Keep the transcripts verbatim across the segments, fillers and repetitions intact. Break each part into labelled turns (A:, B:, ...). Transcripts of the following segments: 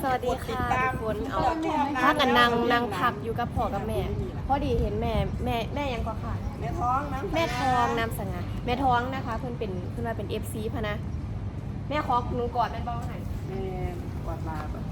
A: วัสดีค่ะทุกคนเอาพักกันนางนางพักอยู่กับพ่อกับแม่พอดีเห็นแม่แม่แม่ยังก็ค่ะ
B: แม่ท้องน้ำ
A: แม่ทองนำสง่าแม่ท้องนะคะเพิ่นเป็นเพิ่นว่าเป็น เอฟ ซี พะนะแม่ขอหนูกอดแม่บ้องหน่อย
B: แม่กวาดลาแบบ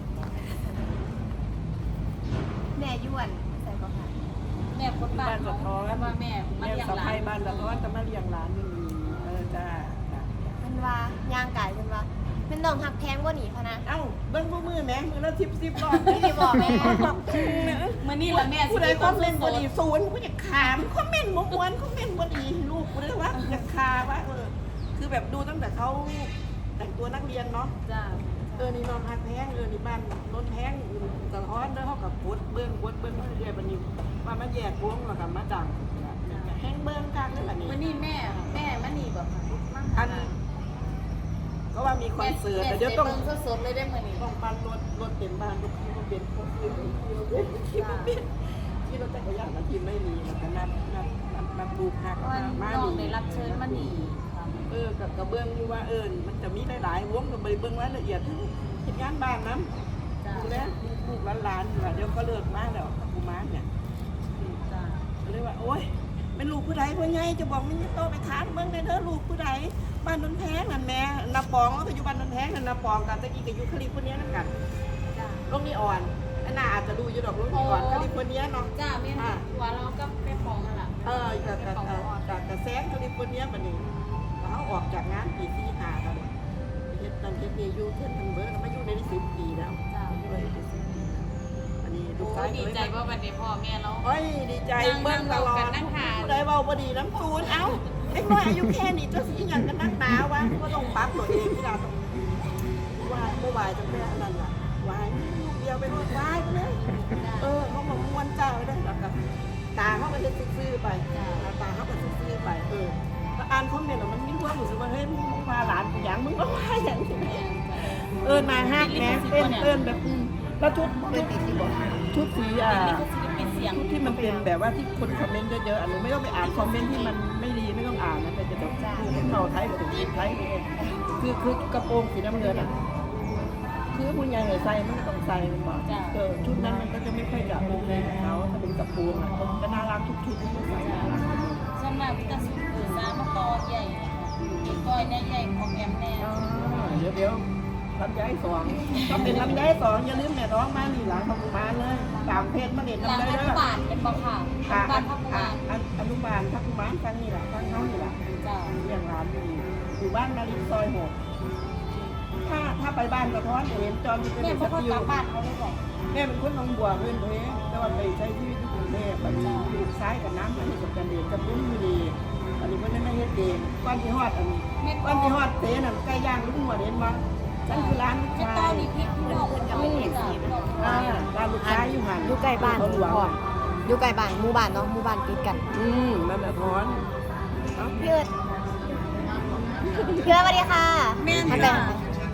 A: แม่ย้วนใส่ก็ค่ะ
C: แม่คนบ้า
B: บ้าน น
C: ข
B: สะ
C: อง
B: ท้อน
C: ว่าแม่มา
B: แม่
C: เลี้ยง
B: สะ
C: หลา
B: พ้าย
C: น
B: บ้านสะท้อนจะมาเลี้ยงหลานนี่เออจ้า
A: เพิ่นว่าย่างไก่เพิ่นว่าเป็นน้องหักแพงบ่หนีพะนะ
B: เอ้าเบิ้งมือมือแม่มือละสิบสิบรอบ
A: พี่บอกแม่
C: เมื่อนี้ละแม่
B: ผู้ใดคอมเมนต์
C: ส
B: บ
C: ด
B: ดีศูนย์ผู้อยากขามคอมเมนต์มวนคอมเมนต์บดีลูกกูเลยว่าอยากคาว่าเออคือแบบดูตั้งแต่เขาแต่งตัวนักเรียนเนาะ
C: จ้า
B: เออนี่นอนพักแพงเออนี่บ้านรถแพงสะท้อนเด้อเขากับกดเบิ้งกดเบิ้งเรื่อยๆบัดนี้มามาแยกวงแล้วก็มาดังแห้งเบิ้งกลางเลยบัดนี้
C: เมื่อนี้แม่แม่มานี่แบบ
B: อันก็ว่ามีคอนเสิร์ตแต่เดี๋ยวต้อง
C: เบิ่งสดๆเลยได้เมื่อนี้
B: ต้องปั่นรถรถเต็มบ้านทุกที่มันเป็นพวกที่ที่มันเป็นที่รถจักรยานมันที่ไม่มีมันก็นัดนัดนัดนัดลูกหัก
C: ว่า
B: มา
C: น้อง
B: หนี
C: ได้รับเชิญมานี่
B: เออกับกระเบื้องอยู่ว่าเออมันจะมีหลายๆวงกับใบเบื้องรายละเอียดทั้งเหตุงานบ้านน้ำ
C: จ้า
B: ดูแลลูกหลานๆเดี๋ยวก็เลิกมาแล้วกูมาเนี่ย
C: จ้า
B: ก็เลยว่าโอ๊ยเป็นลูกผู้ใดผู้ใหญ่จะบอกมันโตไปถามเมืองในเด้อลูกผู้ใดบ้านนนแพงนั่นแม่นาปองแล้วก็อยู่บ้านนนแพงนั่นนาปองกันตะกี้กับยูคาลิฟอร์เนียนั่นกัน
C: จ้า
B: โลกนี้อ่อนอันน่าอาจจะดูอยู่ดอกโลกนี้อ่อนคาลิฟอร์เนียเนาะ
C: จ้าแม่ว่าเราก็ไปฟ้องกันล่ะ
B: เออจากจากจากจากแซงคาลิฟอร์เนียบัดนี้เขาออกจากงานปีที่ห้าแล้วเนี่ยเฮ็ดตอนเฮ็ดนี่อยู่เพิ่นทันเบิร์ดมาอยู่ในสิบปีแล้ว
C: จ้า
B: อยู่ในสิบปีอันนี้ลูก
C: โอ้
B: ชาย
C: ดีใจว่าวันนี้พ่อแม่เรา
B: โอ้ยดีใจเบิ่งตลอดผู้ใดเว้าบ่ดีน้ำตูนเอ้าเด็กน้อยอายุแค่นี้จะสิหยังกันนักหนาวะก็ต้องปรับตัวเองที่เราต้องว่าบ่ไหวจังแม่นั่นล่ะไหวลูกเดียวไปรถไหวไปเลยเออเขาบอกม่วนเจ้าไปได้แล้วก็ตาเขาก็เฮ็ดซื่อๆไปตาเขาก็ซื่อๆไปเอออ่านคอมเมนต์แล้วมันมีความรู้สึกว่าเฮ้ยมึงว่าหลานกูหยังมึงก็ว่าหยังเออมาฮักแม่เต้นเต้นแบบแล้วชุดชุดชุดสีอ่ะ
C: นี่ก็ศิลปินเสียง
B: ที่มันเป็นแบบว่าที่คนคอมเมนต์เยอะๆอันนี้ไม่ต้องไปอ่านคอมเมนต์ที่มันไม่ดีไม่ต้องอ่านนะแต่จะแบบดูเข้าไทยกับถึงไทยคือคือกระโปรงสีน้ำเงินอ่ะคือผู้ใหญ่ใส่มันต้องใส่มันบอกเออชุดนั้นมันก็จะไม่ค่อยจะโอเคกับเขาถ้าเป็นกระโปรงอ่ะก็น่ารักทุกชุดที่เขาใส่น่ารัก
C: ส่วนมากพิจารณาสื่อสารมาต่อใหญ่อีกก้อยแน่ใหญ่ของแอมแน่
B: เดี๋ยวเดี๋ยวลำไยสองต้องเป็นลำไยสองอย่าลืมแม่ร้องมาหนีหลังทำมาเลยตามเพจมาเด็ด
C: หลัง
B: ลำไย
C: อ
B: เล
C: นุ
B: ย
C: บาลเป็นบ่ค่ะบ้านพักงาน
B: อนุบาลทักกุมารฟังนี่แหละฟังเขานี่แหละ
C: จ้า
B: เลี้ยงร้านอยู่อยู่บ้านนารินซอยหกถ้าถ้าไปบ้านกระท้อนจะเห็นจอมจะเป็น
C: แม่
B: ส
C: พ่อ
B: ติ
C: กลั
B: ว
C: บบ้านเขาเลยบอก
B: แม่เป็นคนหนองบัวเพื่อนตัวเองแต่ว่าไปใช้ชีวิตที่กรุงเทพไปอยู่ซ้ายกับน้ำอันนี้กับจันเดชกับลุงอยู่ดีอันนี้เพื่อนไม่เฮ็ดเองก้อนที่ฮอดอันนี้ก้อนที่ฮอดเตนั่นไก่ย่างลุงหัวเด่นมาฉันคือร้านลูก
C: แม่
B: ชา
C: ต้อย มีพริกที่เราจะไม่เห็นสี
B: อ่าร้านลูกชายอยู่หัน
A: อยู่ใกล้บ้าน
B: เขาหลวง
A: พ่ออยู่ใกล้บ้านหมู่บ้านเนาะหมู่บ้านติดกัน
B: อืมนั่นแหละท้อนเอ้า
A: พี่เอิร์ดพี่เอิร์ดสวัสดีค่ะ
C: แม่
A: ทัก
C: จ้า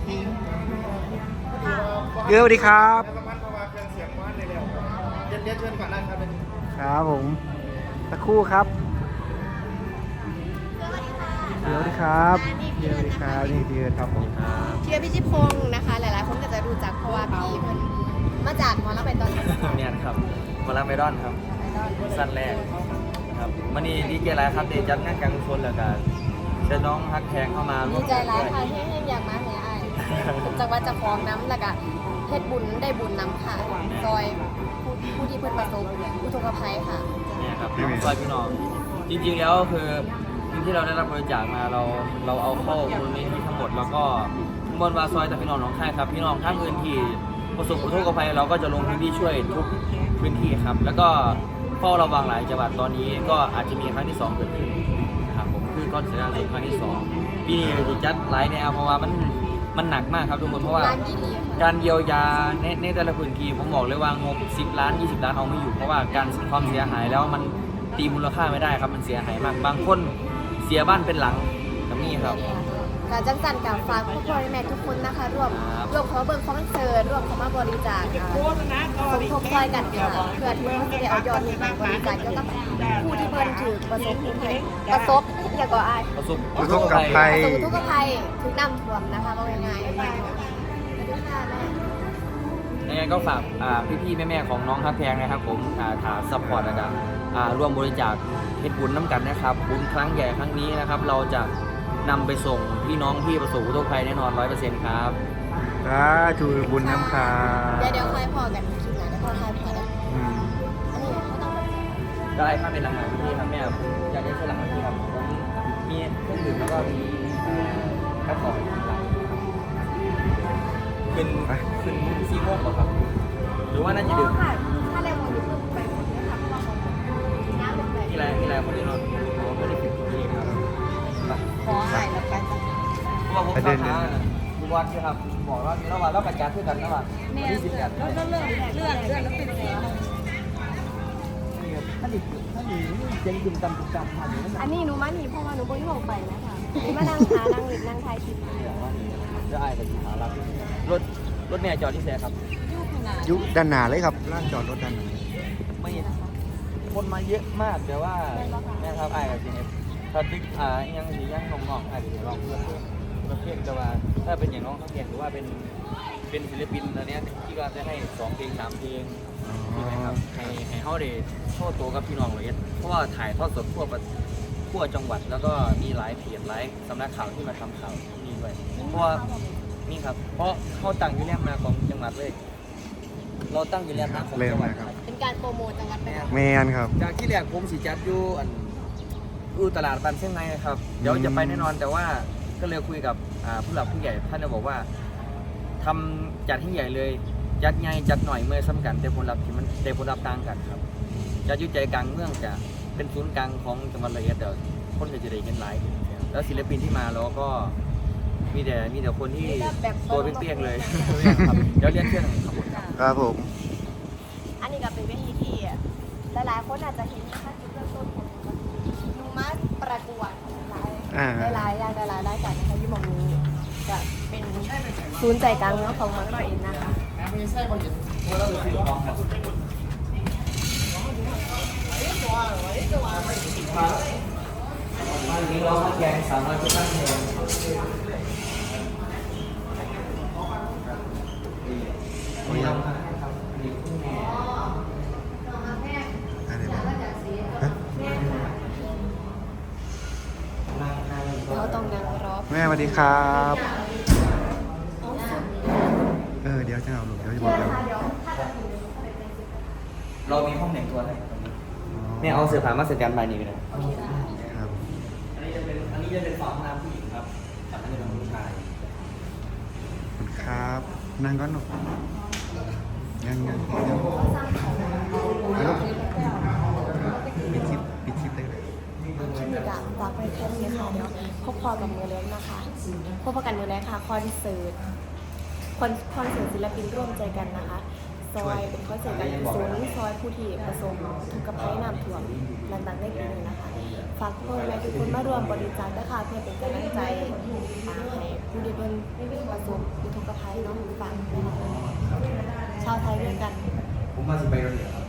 A: ทาย
D: เกลือสวัสดีครับ
E: แล้วก็พันเพราะว่าเครื่องเสียงมันเลยแล้วเรียนเรียนเชิญก่อนนะครับเป็น
D: ครับผมสักครู่ครับเกลือสวัสดีครับเกลือสวัสดีครับนี่เกลือครับผมครับ
A: พี่เอิร์ดพิชิตพงศ์นะคะ หลายๆคนก็จะรู้จักเพราะว่าพี่เพิ่นมาจากหมอลำเป็นตอนนี้
F: เนี่ยครับมาลาเมดอนครับสั้นแรกครับมันนี่ดีเจไลฟ์ครับเดจัดงานกลางคนแล้วกันเชิญน้องฮักแพงเข้ามาร่
A: ดี
F: วม
A: ใจ
F: กัน
A: หลาย
F: ด้วย
A: ค่ะที่ให้อยากมาแห่อ้ายผมจังว่าจะฟ้องน้ำแล้วก็เฮ็ดบุญได้บุญน้ำค่ะซอยผู้ผู้ที่เพิ่นประสบอุทกภัยค่ะ
F: เนี่ยครับน้องซอยพี่น้องจริงๆแล้วคือเงินที่เราได้รับบริจาคมาเราเราเอาเข้ามูลนิธิทั้งหมดแล้วก็บนวาซอยแต่พี่น้องน้องค่ายครับพี่น้องท่านอื่นที่ประสบอุทกภัยเราก็จะลงพื้นที่ช่วยทุกพื้นที่ครับแล้วก็เฝ้าระวังหลายจังหวัดตอนนี้ก็อาจจะมีครั้งที่สองเกิดขึ้นนะครับผมคือก้อนเสียงานครั้งที่สองปีนี้จะจัดหลายแนวเพราะว่ามันมันหนักมากครับทุกคนเพราะว่า
A: ร้านยี่หลีค่ะ
F: การเยียวยาในในแต่ละพื้นที่ผมบอกเลยว่างบสิบล้านยี่สิบล้านเอาไม่อยู่เพราะว่าการความเสียหายแล้วมันตีมูลค่าไม่ได้ครับมันเสียหายมากบางคนเสียบ้านเป็นหลังแบบนี้ครับ
A: การจังสันกับฝากผู้พ่อแม่ทุกคนนะคะร่วม
F: ครับ
A: ร่วมขอเบิ่งคอนเสิร์ตร่วมเข้ามาบริจาคค่ะ
B: โฆษณาต่อ
A: สมทบช่วยกันค่ะเพื่อที่เขาจะได้เอายอดเงินไปบริจาคเกี่ยวกับผู้ที่เพิ่นถือประสบอุทกภัยประสบอย่าก่ออาย
F: ประสบ
D: อุทกภัย
A: ประสบอุทกภัยถูกน้ำท่วมนะคะว่าง่ายๆสวัสดีค่ะแม่
F: ก็ฝากอ่าพี่ๆแม่ๆของน้องฮักแพงนะครับผมอ่าถาซัพพอร์ตนะครับอ่าร่วมบริจาคเฮ็ดบุญน้ำกันนะครับบุญครั้งใหญ่ครั้งนี้นะครับ เราจะนำไปส่งพี่น้องที่ประสบอุทกภัยแน่นอนร้อยเปอร์เซ็นต์ครับ
D: สาธุบุญน้ำค่ะ
A: เดี๋ยวเดี๋ยวค่อยพอกันคลิปหน้าเดี๋ยวพอค่อยพอกัน
D: อืม
A: อันนี้เขาต้องแบบ
F: ได้ถ้าเป็นหลังๆพี่ครับแม่ผมอยากได้เสื้อหลังพี่ครับผมมีเครื่องดื่มแล้วก็มีกระป๋องหลังขึ้นขึ้นซีโม่ป่ะครับ หรือว่าน่าจะดื่ม
A: ค่ะถ้าได้หมดนี่คือไปหมดเลยค่ะเพราะว่าของน้ำลงไป
F: มีอะไรมีอะไรคนที่นอนผมไม่ได้ผิดที่ครับ
C: ขอหายแล้วกันจ้ะ
F: เพราะว่าผมค้าค้ามีวัดใช่ครับบอกว่ามีระหว่างเราประกาศเพื่อกันระหว่าง
C: แม่
F: ที่สิบแปด
C: แล้วก็เรื่องเรื่องเรื่องแล้วเป็นเสีย
F: ถ้าดิถ้าดิเจงจุ่มตำจุ่มตำผ่านอยู่นั่นแหละ
A: อันนี้หนูมาหนีเพราะว่าหนูบ่มีของไปนะคะมานั่งหานั่งหลิบนั่งทายคลิปอยู่
F: จะอายกับหารับรถรถแม่จอดที่แซ่ครับ
C: ยุ่งขนาด
D: ยุด้านหน้าเลยครับลานจอดรถด้านหน้า
F: ไม่คนมาเยอะมากแต่ว่าแม่ครับอายกับจริงถ้าติ๊กอ่ายังสียังน้องๆอาจจะลองเพื่อนเพื่อนเพื่อนแต่ว่าถ้าเป็นอย่างน้องเขาเขียนหรือว่าเป็นเป็นศิลปินตอนนี้ที่ก็จะให้สองเพลงสามเพลงใช่ไหมครับให้ให้เขาได้โชว์ตัวกับพี่น้องเลยเพราะว่าถ่ายทอดสดทั่วประทั่วจังหวัดแล้วก็มีหลายเพจหลายสำนักข่าวที่มาทำข่าวที่นี่ด้วยเพราะว่านี่ครับเพราะเขาตั้งอยู่แรกมาของจังหวัดเลย เราตั้งอยู่แรกมาของจังหวัดครับ
A: เป็นการโปรโมทจังหวัดไปแล้ว
D: แมนครับ
F: จากที่แรกผมสีจัดอยู่อันอยู่ตลาดบันเชียงไงครับเดี๋ยวจะไปแน่นอนแต่ว่าก็เลยคุยกับอ่าผู้หลักผู้ใหญ่ท่านเลยบอกว่าทำจัดให้ใหญ่เลยจัดใหญ่จัดหน่อยเมื่อซ้ำกันแต่ผลลัพธ์ที่มันแต่ผลลัพธ์ต่างกันครับจะอยุ่ใจกลางเมืองจะเป็นศูนย์กลางของจังหวัดระยองเดี๋ยวคนก็จะได้เห็นหลายแล้วศิลปินที่มาเราก็มีแต่มีแต่คนที่ตัวเปี้ยงๆเลยครับเดี๋ยวเรียกเครื่องขบวนครับ
D: ครับผม
A: อันนี้ก็เป็นเวทีที่หลายๆคนอาจจะเห็นนะคะจุดเริ่มต้นของหนูมาประกวดหลายหลายๆอย่างหลายๆรายการนะคะที่หมองนี้จะเป็นศูนย์ใจกลางเมืองของเมืองร้อยเอ็ดนะคะ
F: วันนี้เราแกงสามร้อยที่ตั้งเองมีเราครับมีคุณแม่
D: อะไรบ้างฮะ
A: เราต้องนั่งรอ
D: แม่สวัสดีครับ เออเดี๋ยวจะเอาลูกเดี๋ยวจะบอกเดี๋ยว
F: เรามีห้องแต่งตัวให้แม่เอาเสื้อผ้ามาสแตนบายนี่ไปเลย
D: ครับ
F: อันนี้จะเป็นอันนี้จะเป็นฝั่งน้ำผู้หญิงครับฝั่งนั้นจะเป็นผู้ชาย
D: ขอบคุณครับ นั่งก่อนหนูยังยังยังแล้วลูกปิดคลิปปิดคลิปได้เลย
A: คลิปนี้ก็ฝากไว้แค่นี้ค่ะเดี๋ยวพบพอกับมือเล็กนะคะพบกันมือเล็กค่ะคอนเสิร์ตคอนคอนเสิร์ตศิลปินร่วมใจกันนะคะซอยเป็นคอนเสิร์ตการกุศลซอยผู้ที่ประสบทุกข์ภัยน้ำท่วมต่างๆในปีนี้นะคะฝากทุกคนและทุกคนมารวมบริจาคนะคะเพื่อเป็นกำลังใจให้ผู้ที่เป็นประสบทุกข์ภัยเน้องฟังชาวไทยด้วยกัน
F: ผมมาสิไปโรงเรียนครับ